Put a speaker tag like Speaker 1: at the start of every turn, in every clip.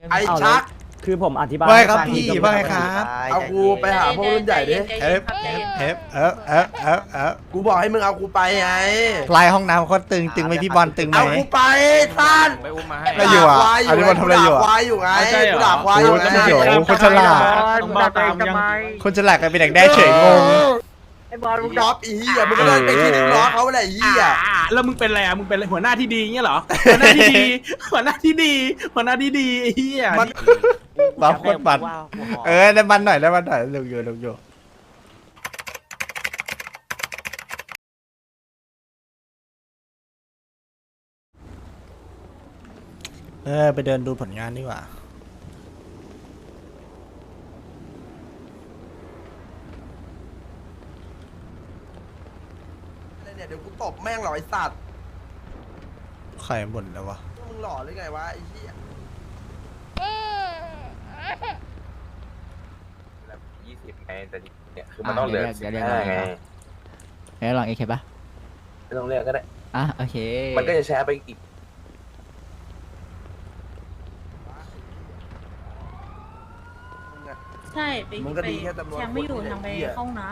Speaker 1: ไอ้ชัก
Speaker 2: คือผมอธิบาย
Speaker 3: ว่าครับพี่ว่าครับ
Speaker 1: เอากูไปหาพวกรุ่นใหญ่ดิ กูบอกให้มึงเอากูไปไง
Speaker 3: ลายห้องน้ำเขาตึงไหมพี่บอลตึงไหม
Speaker 1: เอากูไปท่าน
Speaker 4: ไปอุ้มมาให้
Speaker 3: ไม่อยู่อ่ะอันนี้บอลทำอะไรอยู่อ่ะ
Speaker 1: ควายอยู่ไงกูด่าควายอยู่ไง
Speaker 3: โอ้โหคนฉลาด
Speaker 4: ต้องบ้าตามยัง
Speaker 3: คนฉลาดกันเป็นแดกได้เฉยงง
Speaker 1: ไอ้บอลมึงดรอปอีเหี้ยมึงก็เลยไปที่นึงล้อเขาแหละไอ้เหี้ย
Speaker 4: แล้วมึงเป็นอะไรอ่ะมึงเป็นหัวหน้าที่ดีเงี้ยเหรอหัวหน้าที่ดีหัวหน้าที่ดีหัวหน้าที่ดีไอ้เหี้ย
Speaker 3: บ้าโคตรบันได้มันหน่อยลงอยู่ไปเดินดูผลงานดีกว่า
Speaker 1: เนี่ยเดี๋ยวกูตบแม่งหรอไอ้สัตว์
Speaker 3: ใครบ่นแล้ววะ
Speaker 1: มึงหล่อหรือไงวะไอ้เหี้ย
Speaker 5: 20ไงแต่เนี่ยคือมันต้องเหลือ15ไง
Speaker 6: แล้วลองเอเคปะ
Speaker 5: ไม่ต้องเลือกก็ได้
Speaker 6: อ่ะโอเค
Speaker 5: มันก็จะแชร์ไปอีก
Speaker 7: ใช่ไป
Speaker 1: มึงก็ดีแค่จำนวน
Speaker 7: แชมป์ไม่อยู่ทางไป
Speaker 1: เหี้ย
Speaker 7: เข้าห้องน้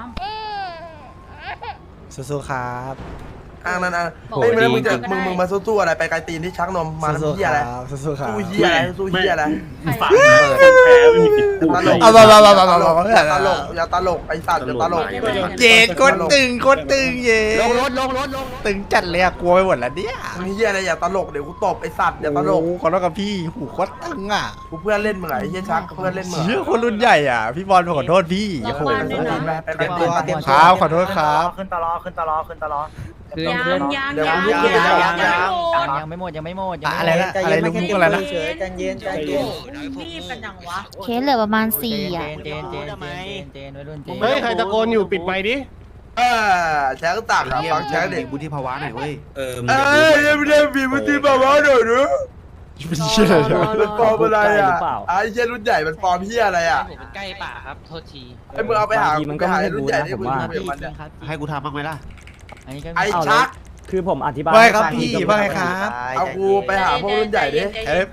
Speaker 3: สู้ๆครับ
Speaker 1: อ้างนั่นอ่ะเฮ้ยมึงจะมึงมาสู้ๆอะไรไปไกลตีนที่ชักนมมาทำ
Speaker 3: สู้
Speaker 1: เหี้ยอะไร
Speaker 3: สู้ครับ
Speaker 1: สู้เหี้ยอะไรสู้เหี้ยอะไร
Speaker 7: ำ
Speaker 4: ฝากแพ้ไม่มีสิทธิ์พูด
Speaker 1: ตลก
Speaker 3: เอามา
Speaker 1: อย่าตลกอย่าตลกไอ้สัตว์อย่าตลก
Speaker 3: เย็ดโคตรตึงเย็ดลงตึงจัดเลยอะกลัวไปหมดแล้วเนี่ย
Speaker 1: มึงเหี้ยอะไรอย่าตลกเดี๋ยวกูตบไอ้สัตว์อย่าตลก
Speaker 3: โอ้ขอโทษกับพี่หูโคตรตึงอ่ะ
Speaker 1: กูเพื่อนเล่นมึงไงไอ้เหี้ยชักเพื่อนเล่นมึง
Speaker 3: เชื่อคนรุ่นใหญ่อ่ะพี่บอลขอโทษพี่โอ้โห
Speaker 1: ไปไกลตีน
Speaker 3: ครับขอโทษครับ
Speaker 2: ขึ้นตลอขึ้นตลอ
Speaker 6: คือ
Speaker 7: ยัง
Speaker 6: คือ
Speaker 7: ยัง
Speaker 1: เดี๋ยว
Speaker 7: ยัง
Speaker 1: กูพูด
Speaker 6: ยังไม่หมดยังไม่หมด
Speaker 3: อะไรนะอะไรลุงมุกอะไรนะ
Speaker 7: รีบกันยังวะ
Speaker 8: เคสเหลือประมาณ4อ่ะ
Speaker 6: เจนวัยรุ่นเจน
Speaker 4: เฮ้ยใครตะโกนอยู่ปิดไมค์ดิ
Speaker 1: เออแชร์ก็ต่างกับฟังแชร์เด็ก
Speaker 9: บุธิภาวะหน่อยเว้ย
Speaker 1: ยังไม่ได้มีวุฒิภาวะหน่อยหรือ
Speaker 3: เป็นเชื่อเลย
Speaker 1: มันปลอมอะไรอ่ะไอ้เหี้ยรุ่นใหญ่มันปลอมเหี้ยอะไรอ่ะ
Speaker 6: ผมใกล้ป่าครับโทษที
Speaker 1: ไอ้มึงเอาไปหารุ่นใหญ่ที่มึงคุยมันเนี่ย
Speaker 9: ให้กูทำบ้างไหมล่ะ
Speaker 6: อันนี้ก็
Speaker 1: ไอ้ชัก
Speaker 2: คือผมอธิบาย
Speaker 3: ว่าครับพี่ว่าครับ
Speaker 1: เอากูไปหาพวกรุ่นใหญ่ดิ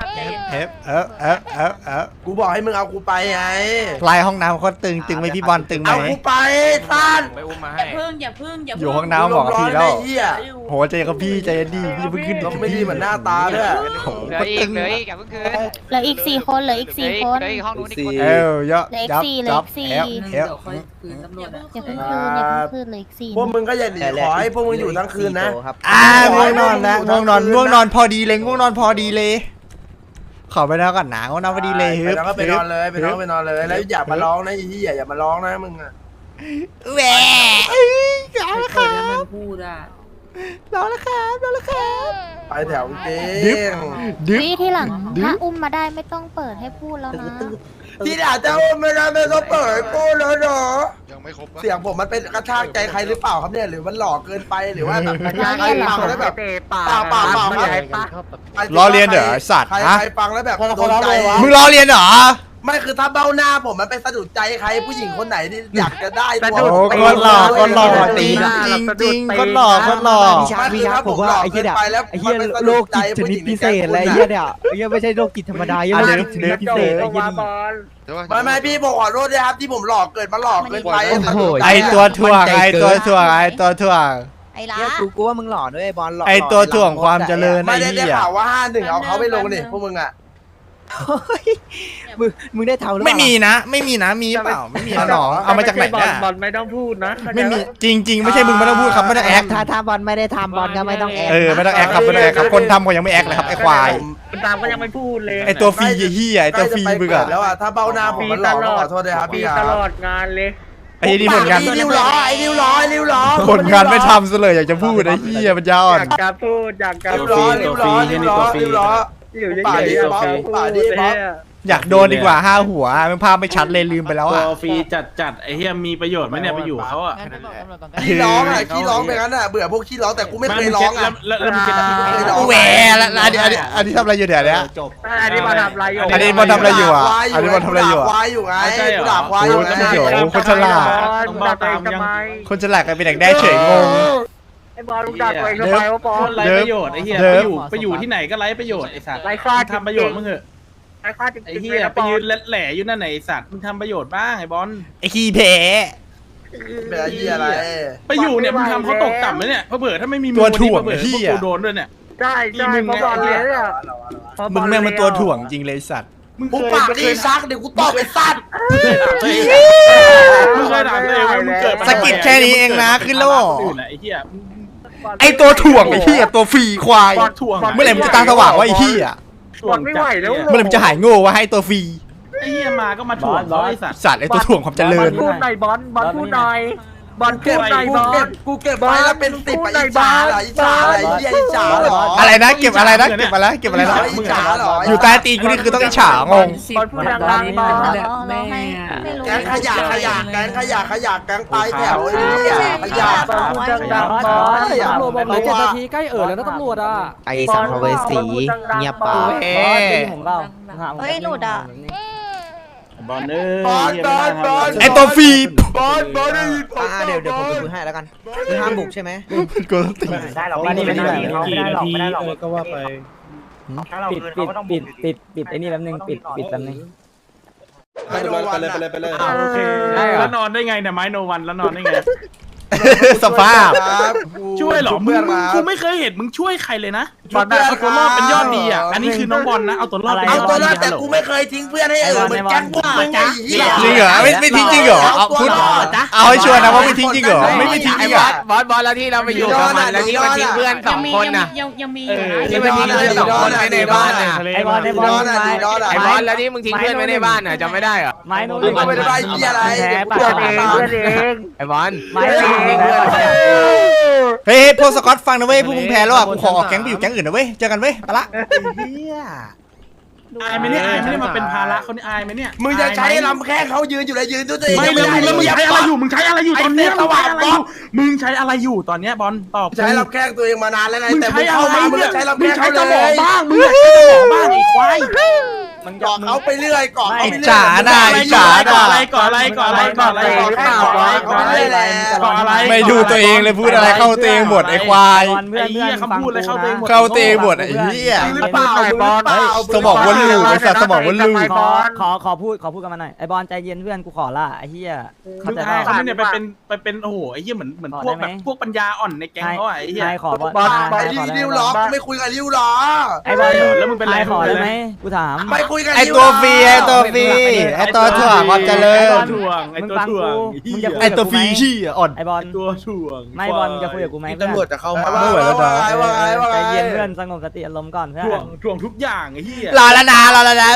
Speaker 1: กูบอกให้มึงเอากูไปไง
Speaker 3: ลายห้องน้ำเขาตึงไหมพี่บอลตึงไหม
Speaker 1: เอากูไปท่าน
Speaker 4: ไปอุ้มมา
Speaker 7: อ
Speaker 4: ให้
Speaker 7: ย่าเพิ่งอย่าเพิ่งอย่า
Speaker 3: อ
Speaker 7: เพิ่ง
Speaker 3: ยู่ห้องน้ำบอกกับพี่แล้ว
Speaker 1: เหี้ย
Speaker 3: โหใจกับพี่ใจดีพี่เพิ่งขึ้น
Speaker 1: ต้องไม่ดีเหมือนหน้าตาด้วย
Speaker 3: โห
Speaker 6: เหลืออีกเหลืออีกอย่าเพิ่งคืน
Speaker 8: เหลืออีก4 คนเหลืออีก4 คน
Speaker 6: เหลืออีกห้องนู้นอีกคน
Speaker 3: เยอะ
Speaker 8: เหลืออีก
Speaker 3: ยับ
Speaker 8: 4เหลือ
Speaker 3: ยั
Speaker 8: อี
Speaker 3: บ
Speaker 8: ก4
Speaker 3: เอฟ
Speaker 8: อย่าเพิ่งคืนอย่าเพิ่งคืนเหลืออีก4
Speaker 1: พวกมึงก็อย่าหนีขอให้พวกมึงอยู่ทั้งคืนนะ
Speaker 3: ง่วงนอนแล้วง่วงนอนพอดีเลยขอไปนอนก่อนนะง่วงนอนพอดีเลย
Speaker 1: ไปนอนก็ไปนอนเลยไปนอนไปนอนเลยแล้วอย่ามาร้องนะไอ้ที่อย่ามาร้องนะมึงอะ
Speaker 3: แหวร้องแล้วครับ
Speaker 7: มันพูดอ่ะ
Speaker 3: ร้องแล้วครับร้องแล้วครับ
Speaker 1: ไปแถวเจ๊
Speaker 3: ดึ๊บ
Speaker 8: วิที่หลังถ้าอุ้มมาได้ไม่ต้องเปิดให้พูดแล้วนะ
Speaker 1: ที่ด่าเจ้าไม่ได้ไม่ต้องเปิดกูแล้วเนาะ
Speaker 9: ยังไม่ครบ
Speaker 1: เสียงผมมันเป็นกระชากใจใครหรือเปล่าครับเนี่ยหรือมันหลอกเกินไปหรือว่าแบบใครฟังแล้วแบบเปล่าครับ
Speaker 3: ล้อเลียนเหรอสัตว์
Speaker 1: ใคร
Speaker 3: ฮะ
Speaker 1: ใครฟังแล้วแบบโดนใจ
Speaker 3: มึงล้อเลียนเหรอ
Speaker 1: ไม่คือถ้าเบ้าหน้าผมมันไปสะดุดใจใครผู้หญิงคนไหนที่อยากจะได้ตัว
Speaker 3: โอ้คนหล่อจริงคนหล่อ
Speaker 1: พี่ชักผมว่าไอ้เหี้ยไอ้เหี้ยโรคจิตชนิดพิเศษอะไรเหี้ยเนี่ย
Speaker 3: ไม่ใช่โรคจิตธรรมดายังไม่ชนิดพิเศษ
Speaker 1: ไม่พี่ผมขอโทษด้วยครับที่ผมหลอกเกินมาหลอกเกินไป
Speaker 3: ไอตัวถ่วง
Speaker 8: ไอ้ละ
Speaker 2: กูว่ามึงหล่อด้วยบอลหล่อ
Speaker 3: ไอตัวถ่วงความเจริญ
Speaker 1: ไม่
Speaker 3: ไอ้
Speaker 1: ได้
Speaker 3: เหี้ย
Speaker 1: ข่าวว่า51เอาเขาไปลงนี่พวกมึงอ่ะ
Speaker 2: มึงได้ทำหรือเปล่า
Speaker 3: ไม่มีนะมีเปล่าไม่มีนะหนอเอามาจากไหนเนี่ย
Speaker 4: บอลไม่ต้องพูดนะ
Speaker 3: ไม่มีจริงไม่ใช่มึงไม่ต้องพูดครับไม่ต้องแอค
Speaker 2: ถ้าบอลไม่ได้ทำบอลก็ไม่ต้องแอค
Speaker 3: ไม่ต้องแอคครับคนทำก็ยังไม่แอคเลยครับไอควาย
Speaker 4: คุณตามก็ยังไม่พูดเลย
Speaker 3: ไอตัวฟรีเหี้ยไอตัวฟรีมึงอะ
Speaker 1: แล้วอ่ะถ้าเบ้าหน้าผมมันหลอกขอโทษด้วยครับพี่
Speaker 4: ตลอดงานเลย
Speaker 3: ไอ้นี่ผลงาน
Speaker 1: ไอ้นิ้วล้อไอ้นิ้วล้อไอ้นิ้วล้อ
Speaker 3: ผลงานไม่ทำซะเลยอยากจะพูดไอ้เหี้ยมันยาอ่อน
Speaker 4: อยากพูดอยาก
Speaker 1: นิ้วล้อนิ้วล้อนิ้วล้อนิ้วล้อ
Speaker 4: อยู่เฉย
Speaker 1: ป่า
Speaker 4: ๆ
Speaker 1: ดี
Speaker 4: ตัว
Speaker 1: ป๊อป
Speaker 4: ฟรี
Speaker 1: ป่าดีป๊อป
Speaker 3: อยากโดนดีกว่า5 หัวมันภาพไม่ชัดเลยลืมไปแล้ว
Speaker 4: ตั
Speaker 3: อ่ะ
Speaker 4: วฟรีจัดไอ้เหี้ยมีประโยชน์ไหมเนี่ยไปอยู่เขาอ่ะ
Speaker 1: ขี้ร้องอ่ะขี้ร้องไปงั้นอ่ะเบื่อพวกขี้ร้องแต่กูไม่เคยร้องอ่ะ
Speaker 4: แล้วมึงจะ
Speaker 3: แหวแล้วอันนี้ทำอะไรอยู่เดี๋ยวนี้
Speaker 4: จบอันนี้มาทำอะไรอยู่
Speaker 3: อันนี้บอลทำอะไรอยู่อ่ะอันนี้บอลทำอะไรอยู่อ่ะ
Speaker 1: ควายอยู่ไงกูด่าควายอยู่ไง
Speaker 3: คนฉลาด
Speaker 4: ต้องบ้าตามยัง
Speaker 3: คนฉลาดกันเป็นแดกได้เฉยงง
Speaker 4: ไอ้บอลมึงด่าตัวเองทำไมวะบอลไรประโยชน์ไอ้เหี้ยไปอยู่ที่ไหนก็ไรประโยชน์ไอ้สัตว์ไรค่าทำประโยชน์มึงเหอะไอ้เหี้ยไปยืนแหล่อยู่นั่นไหนสัตว์มึงทำประโยชน์บ้างไอ้บอล
Speaker 3: ไอ้ขี้แพ้
Speaker 1: เป็นอะไรที่อะไร
Speaker 4: ไปอยู่เนี่ยมึงทำเขาตกต่ำเลยเนี่ยเผื่อถ้าไม่มีมึง
Speaker 3: ตัว
Speaker 4: วัน
Speaker 3: ถ่
Speaker 4: นี้
Speaker 3: วง
Speaker 4: เผื่อ
Speaker 3: ไอ้เหี้
Speaker 4: พวก
Speaker 3: ย
Speaker 4: กูโดนด้วยเนี่ย
Speaker 2: ใช่ใช่เพราะบอลเลยเนี่ย
Speaker 3: มึงแม่งเป็นตัวถ่วงจริงเลยสัตว์
Speaker 4: มึง
Speaker 1: กู
Speaker 4: เคย
Speaker 1: ปากดีซักเดี๋ยวกูตอบไปสัตว์
Speaker 4: มึงเคยถามตัวเองว่ามึงเกิดมา
Speaker 3: สะกิดแค่นี้เองนะขึ้นแล้วเหรอ
Speaker 4: อื่นน่ะไอ้เหี้ย
Speaker 3: ไอ้ตัวถ่วงไอ้เหี้ยตัวฟรีควาย
Speaker 4: บอลถ่วง
Speaker 3: เมื่อไหร่มึงจะตาสว่างวะไอ้เหี้ย
Speaker 4: ถ่วงไม่ไหวแล้ว
Speaker 3: เมื่อไหร่มึงจะหายโง่วะให้ตัวฟรี
Speaker 4: ไอ้เหี้ยมาก็มาถ่วงเขาไอ้สัตว์
Speaker 3: สัตว์ไอ้ตัวถ่วงความเจริญ
Speaker 2: พูดหน่อยบอลพูดหน่อยบอลพูดหน่อยบอล
Speaker 1: กูเก็บไว้แล้วเป็น10ไปอิจฉาเหรออิจฉาอะไรเหี้ยอิจฉาเหรอ
Speaker 3: อะไรนะเก็บอะไรนะเก็บอะไรเก็บอะไรนะ
Speaker 1: อิจฉาเหรอ
Speaker 3: อยู่ใต้ตีนกูนี่คือต้องอิจฉางง
Speaker 2: บอลพูดดังๆบอล
Speaker 8: เราให้ไม่รู้
Speaker 1: แก๊งขยะแก๊งปลายแถวไอ้เหี้ยขยะ
Speaker 2: พูดดังๆบอล
Speaker 1: ตำรวจบอกเหลือ7 นาที
Speaker 2: ใกล้แล้วนะตำรวจอ่ะไอ้สัมภเวสีเงียบปาก
Speaker 3: เฮ้
Speaker 2: ของเรา
Speaker 8: เฮ้ยหลุดอ่ะ
Speaker 4: บอลเอ้ย
Speaker 3: ไอ้ตัวฟรี
Speaker 1: บอลได้ยินผม
Speaker 2: เดี๋ยวผมไปคุยให้แล้วกันคือห้ามบุกใช่ไหม
Speaker 3: กูต้องตี
Speaker 2: ได้หรอก
Speaker 4: ไม่ได้ไม่ได้
Speaker 2: ไม่ได้หรอกไม่ได้หรอก
Speaker 4: ก็ว่าไป
Speaker 2: ปิดไอ้นี่แป๊บนึงปิดแป๊บนึง
Speaker 1: ไปเลย
Speaker 4: โอเคแล้วนอนได้ไงเนี่ยไม้โนวันแล้วนอนได้ไง
Speaker 3: สภาพ
Speaker 4: ช่วยเหรอมึงกูไม่เคยเห็นมึงช่วยใครเลยนะเอาตัวรอดเป็นยอดดีอ่ะอันนี้คือน้องบอลนะเอาตัวรอดเป็นย
Speaker 1: เอา
Speaker 4: อด
Speaker 1: ตัว
Speaker 4: ดี
Speaker 1: รอดแต่กูไม่เคยทิ้งเพื่อนให้เหมือนแก๊งพวกมึงไอ้เหี้ย
Speaker 3: จริงเหรอไม่ทิ้งจริงเหรอเอาพูดเอาให้ชัวร์นะว่าไม่ทิ้งจริงเหรอไม่ทิ้งจริงเหรอ
Speaker 5: บอสแล้วที่เราไปอยู่กับมันแล้วที่มันทิ้งเพื่อน2 คนน่ะ
Speaker 7: ยังมีอยู่นะ
Speaker 5: ที่มันทิ้งเพื่อน2 คนไว้ในบ้านน่ะ
Speaker 2: ไอ้บอล
Speaker 5: ไอ้บอสแล้วที่มึงทิ้งเพื่อนไว้ในบ้านน่ะจำไม่ได้เหรอ
Speaker 2: ไม้โน้
Speaker 1: มึงไม่ได้เหี้ยอะไร
Speaker 2: เพื่อนเอง
Speaker 5: ไอ้บอล
Speaker 2: ไม้โน้
Speaker 5: ทิ้งเพื่อน
Speaker 3: เฮ้ยพวกสกอตฟังนะเว้ยพวกมึงแพ้แล้วอ่ะกูขอออกแก๊งไปอยู่แก๊งอื่นนะเว้ยเจอกันเว้ยไปละ
Speaker 4: อายไหมเนี่ยอายไหมเนี่ยมาเป็นภาระเขานี่อายไหมเนี่ย
Speaker 1: มึงจะใช้ลำแข้งเขายืนอยู่เลยยืนตัวเอง
Speaker 4: ไม่เลยแล้วมึงใช้อะไรอยู่มึงใช้อะไรอยู่ตอนเนี้ยมึงใช้อะไรอยู่ตอนเนี้ยบอลตอบ
Speaker 1: ใช้ลำแข้งตัวเองมานานแล้วไง
Speaker 4: มึง
Speaker 1: แต่
Speaker 4: ใช้
Speaker 1: มึง
Speaker 4: อะไร
Speaker 1: เข้ามามึง
Speaker 4: เนี่ย
Speaker 1: ใช้ลำ
Speaker 4: มึ
Speaker 1: แข้
Speaker 4: ง
Speaker 1: ง
Speaker 4: ใช้
Speaker 1: เขา
Speaker 4: ส
Speaker 1: เล
Speaker 4: มอง
Speaker 1: ย
Speaker 4: บ้างมึงใช้สมองบ้างไอ้ควาย
Speaker 1: เกาะเขาไปเรื่อยเกาะเขา
Speaker 3: ไอ้
Speaker 1: ไปเรื่อย
Speaker 3: จ๋าน่ะไอ้จ๋า
Speaker 4: ก่อ
Speaker 3: น่ะ
Speaker 4: อะไรก่ออะไรก่ออะไรก่ออะไรก่ออะไรก่ออะไรก่ออะไร
Speaker 3: ไม่ดูตัวเองเลยพูดอะไรเข้าตัวเองหมดไอ้ควาย
Speaker 4: ไอ้เหี้ยคำพูดอะไรเข้าตัวเองหมด
Speaker 3: เข้าตัวเองหมดไอ้เหี้ย
Speaker 1: หรือเปล่าบอล
Speaker 3: สมองวนลูปไอ้สัตว์สมองวนลูป
Speaker 2: ขอพูดกันมาหน่อยไอ้บอลใจเย็นเพื่อนกูขอละไอ้เหี้ย
Speaker 4: มึงอายเขาไม่เนี่ยไปเป็นโอ้โหไอ้เหี้ยเหมือนพวกแบบพวกปัญญาอ่อนในแก๊งเขาไอ้เหี้ย
Speaker 2: นายขอบอล
Speaker 1: บอลไปริ้วล้อไม่คุยกับริ้วล้อ
Speaker 2: ไอ้บอล
Speaker 4: แล้วมึงเป็นไร
Speaker 2: ขอได้ไหมกูถาม
Speaker 1: ไม่คุยกับ
Speaker 3: ไอ้ตัวฟรีไอ้ตัวฟรีไอ้ตัวถ่วงความเจริญ
Speaker 4: ถ่วงไอ้ตัวถ่วง
Speaker 3: ไอ้ตัวฟรีชี้อ่อน
Speaker 2: ไอ้บอล
Speaker 4: ตัวถ่วง
Speaker 2: ไม่บอลจะคุยกับกูไหมเพื่อน
Speaker 1: ตำรวจจะเข้ามา
Speaker 3: ไม่ไหวแล้วนะ
Speaker 2: ใจเย็นเพื่อนสงบสติอารมณ์ก่อนเพื่อน
Speaker 4: ถ่วงทุกอย่างไอ้เหี้ย
Speaker 3: รอแล้วนะรอแล้วนะ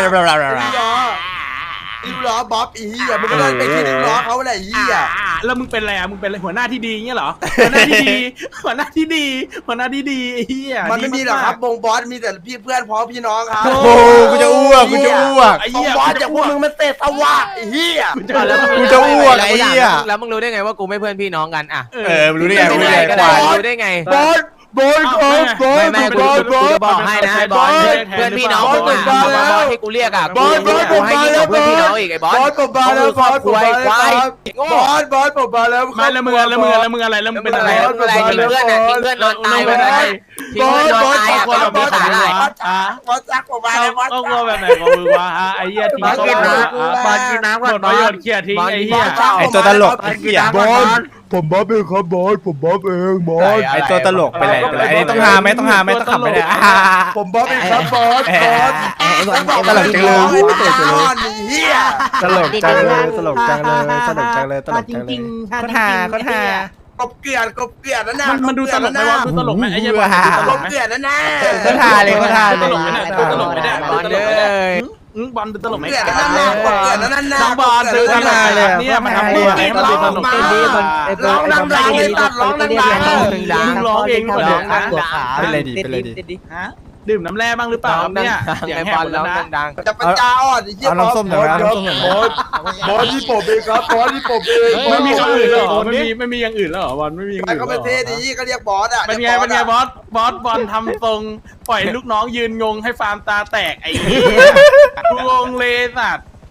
Speaker 1: ริ้วล้อบ๊อบอีเหี้ยมึงก็เลยไปที่ริ้วล้อเขาแหละอีเหี้ย
Speaker 4: แล้วมึงเป็นอะไรมึงเป็นหัวหน้าที่ดีเงี้ยเหรอหัวหน้าที่ดีหัวหน้าที่ดีไอ้เหี้ย
Speaker 1: มันไม่มีหรอกครับวงบอสมีแต่พี่เพื่อนพ้องพี่น้องครับ
Speaker 3: โอ้โหกูจะอ้วก
Speaker 4: ไอ้
Speaker 1: ว
Speaker 4: เหี้
Speaker 1: ง
Speaker 4: ย
Speaker 1: บอสจากพวกมึงมันเตะสวะไอ้เหี้ย
Speaker 3: กูจะอ้วกไอ้เหี้ย
Speaker 5: แล้วมึงรู้ได้ไงว่ากูไม่เพื่อนพี่น้องกันอ่ะ
Speaker 3: รู้ได้ไงรู้ได้ไง
Speaker 5: ก็
Speaker 3: ควาย
Speaker 5: รู้ได้ไง
Speaker 1: บอส
Speaker 5: ไม่กูจะบอกให้นะไอ้บอลเพื่อนพี่น้องมึงอ่ะบอลที่กูเรียกอ่ะกูให้ยิ่งกว่าเพื่อนพี่น้องอีกไอ้บอล
Speaker 1: บอสผมมาแล้วบอสผมมาแล้วบอสผมมาแล้ว
Speaker 4: ไม่แล้วมึงอะไรแล้วมึงอะไรแล้วมึงเป็นอะไร
Speaker 5: อะไรทิ้งเพื่อนอ่ะทิ้งเพื่อนนอนตายไปเลยทิ้งเพื่อนนอนตายอ่ะ
Speaker 4: คนแบบ
Speaker 5: มี
Speaker 4: นี้
Speaker 5: ขา
Speaker 4: อะไร
Speaker 5: ได้
Speaker 1: บอสจักผมมาแล้วบอส
Speaker 4: ก็กลัวแบบไหนของมึงวะไอ้เหี้ยทิ้งบอลกินน้ำก่อนประโยชน์เขี่ยทิ้งไอ้เหี้ย
Speaker 3: ไอ้ตัวตลกไอ้เหี้ย
Speaker 1: บอสผมบ๊อบเองครับบอสผมบ๊อบเองบอส
Speaker 3: ไอ้ตัวตลกไปเลยไอ้นี่ต้องหาไหมต้องหาไหมต้องขำไปเลย
Speaker 1: ผมบ๊อบเองครับบอสบอส
Speaker 3: ตลกจังเลย
Speaker 1: เฮีย
Speaker 3: ตลกจังเลยตลกจังเลยตลกจังเลยตลกจังเลยคนหาคนหาก
Speaker 1: บเกลื่อนนั่นน่ะ
Speaker 4: มันดูตลกไหมวะดูตลกไหมไอ้เหี้ย
Speaker 1: กบเกลื่อนนั่นน่ะ
Speaker 3: คนหาเลยคนหา
Speaker 4: ต
Speaker 3: เลย
Speaker 4: ลกไหมเนี่ยตลกไหมเนี่ย
Speaker 5: บอลเลย
Speaker 4: บอลดูตลกไหม
Speaker 1: เกลื่อนนั่นน่ะกบเกลื่อนนั่นน่ะ
Speaker 4: น้องบอลดูตลกเนี่ยมันทำตัวไหนมันดูตลก
Speaker 1: ร้องดังๆเลยตัดร้องดัง
Speaker 4: มึงร้องเองหมดเลยนะ
Speaker 3: เป็นไรดีเป็นไรดี
Speaker 4: ฮะดื่มน้ำแร่บ้างหรือเปล่าเนี่ยเสียง
Speaker 5: ไอ้
Speaker 4: แห
Speaker 5: บบ อล
Speaker 4: หมด
Speaker 5: แล้
Speaker 4: แล้ว วนะ
Speaker 5: ดัง
Speaker 1: ๆจะปัญญาอ่อนไอ้เหี้ย
Speaker 3: เอาน้ำส้มหน่อยเอาน้ำส้มหน่อย
Speaker 1: บอสที่ผมเองครับบอสที่ผมเอง
Speaker 4: ไม่มีคำอื่นแล้วเหรอไม่มีอย่างอื่นแล้วเหรอ บอลไม่มีอย่าง
Speaker 1: มัน
Speaker 4: อื่น
Speaker 1: ก็เป็นเท่ดีก็เรียกบอสอ่ะ
Speaker 4: เป็นไงบอสบอลทำทรงปล่อยลูกน้องยืนงงให้ฟาร์มตาแตกไอ้กูงงเลยสัตว์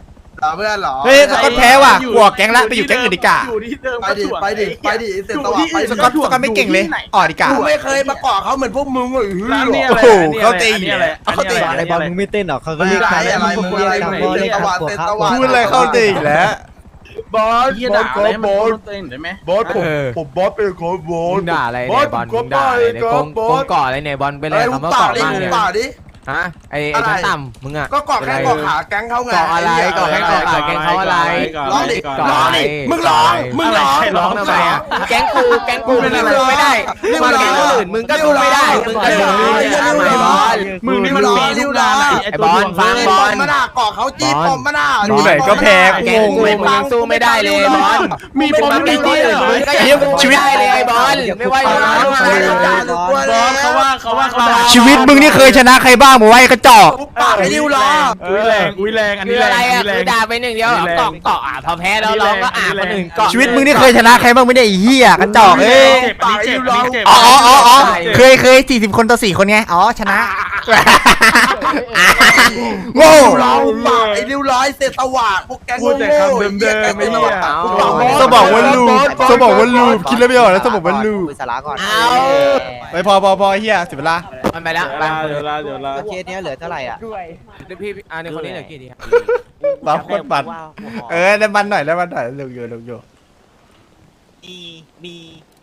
Speaker 1: เพื่อนเหรอ
Speaker 3: เฮ้ยสกอตแพ้ว่ะกลัวแก๊งละไปอยู่แก๊งอื่นดีกว่า
Speaker 4: อยู่ที่เดิม
Speaker 1: ไปดิไปดิไปดิเสร็จสว่างไป
Speaker 3: สกอตไม่เก่งเลยอ่อนดีกว่า
Speaker 1: กูไม่เคยมาก่อเขาเหมือนพวกมึงเลย
Speaker 4: ร้านเนี่ย
Speaker 3: โอ้โหเขาตี
Speaker 4: เขาตี
Speaker 2: ไอ้บอลมึงไม่เต้นหรอเขาก็
Speaker 1: มึง
Speaker 2: เรียก
Speaker 1: ไรอะไรมึงอะไรมึงเสร็จสว่างเสร็จสว่าง
Speaker 3: พูดอะไรเข้าตีอีกแล้ว
Speaker 1: บอส
Speaker 4: เฮียด่าอะไรมันโดนเต้นได้ไหม
Speaker 1: บอสผมบอสเป็นคนบอ
Speaker 5: มึ
Speaker 1: ส
Speaker 5: งด่าอะไรเนี่ยบอลมึงด่าอะไรเนี่ยโกงก่ออะไรเนี่ยบอลไปเลย
Speaker 1: เฮ้ย
Speaker 5: คำว่า
Speaker 1: เปล่า
Speaker 5: ก่อ
Speaker 1: ดิ
Speaker 5: มากเนี่ย
Speaker 1: เปล่าดิ
Speaker 5: ฮะไอ้ชั้นต่ำมึงอ่ะ
Speaker 1: ก็ก่อแค่ก่อขาแก๊งเขาไง
Speaker 5: ก่ออะไรก่อแค่ก่อขาแกงเขาอะไร
Speaker 1: ร้องดิ
Speaker 5: ก่อ
Speaker 1: ร้อง
Speaker 5: อะไร
Speaker 1: ดิมึงร้องมึงร้อง
Speaker 5: ร้องทำไมอ่ะแก๊งกูมึงสู้ไม่ได้มาแก๊งคนอื่นมึงก็สู้ไม่ได้มึงก็สู้ไม่ได้ไอ้บอล
Speaker 4: มึงนี่มันปีลูกดาไหน
Speaker 5: ไอ้บอลฟังบอล
Speaker 1: มาหน้าก่อเขาจี้ปอมมาหน้า
Speaker 3: ดูไหนก็แพ้
Speaker 5: แก๊งกูมึงยังสู้ไม่ได้เลยบอล
Speaker 4: มีปม
Speaker 5: มัน
Speaker 4: มี
Speaker 5: ไม่
Speaker 4: จี
Speaker 5: ดี
Speaker 4: เหรอ
Speaker 5: มึงก็ยังสู้ไม่ได้เลยไอ้บอลไม่ไหวแล้ว
Speaker 4: เขาว่าด่า
Speaker 3: ชีวิตมึงนี่เคยชนะใครบ้างมึงไว้กระจอก
Speaker 1: ปากไอ้ดิวล้อ
Speaker 4: อุ้ยแรงอัน
Speaker 5: คื
Speaker 4: นี้
Speaker 5: อ
Speaker 4: แร
Speaker 5: อะไร
Speaker 4: ง
Speaker 5: อ่ะ
Speaker 4: แร
Speaker 5: คือง ด่าไปหนึ่งเดียวเกาะพอแพ้แล้วร้องก็คนอื่นเกาะ
Speaker 3: ชีวิตมึงนี่เคยชนะใครบ้างไม่ได้ไอ้เหี้ยกระจอกเอ้ย
Speaker 4: เจ็บอันนี้เจ็บ
Speaker 3: อ๋อเคย40 คนต่อ4 คนไงอ๋อชนะโง่
Speaker 1: ล้อปากไอ้ดิวล้อเสร็จสว่างพวกแก๊ง
Speaker 3: สมองวันลูปสมองวันลูปคิดแล้วไม่ออกแล้วสมองวันลูป
Speaker 2: สาระก่อน
Speaker 5: เอา
Speaker 3: ไปพอเฮียเสียเวลา
Speaker 5: มันไปแล้วไป
Speaker 4: เดี๋ยวลา
Speaker 2: เคสเนี้ยเหลือเท่าไหร่อ่ะ
Speaker 5: พี่อันนี้คนนี้เหลือกี่ที
Speaker 3: บัฟโคตรมันได้มันหน่อยได้มันหน่อยลงอยู่
Speaker 2: มี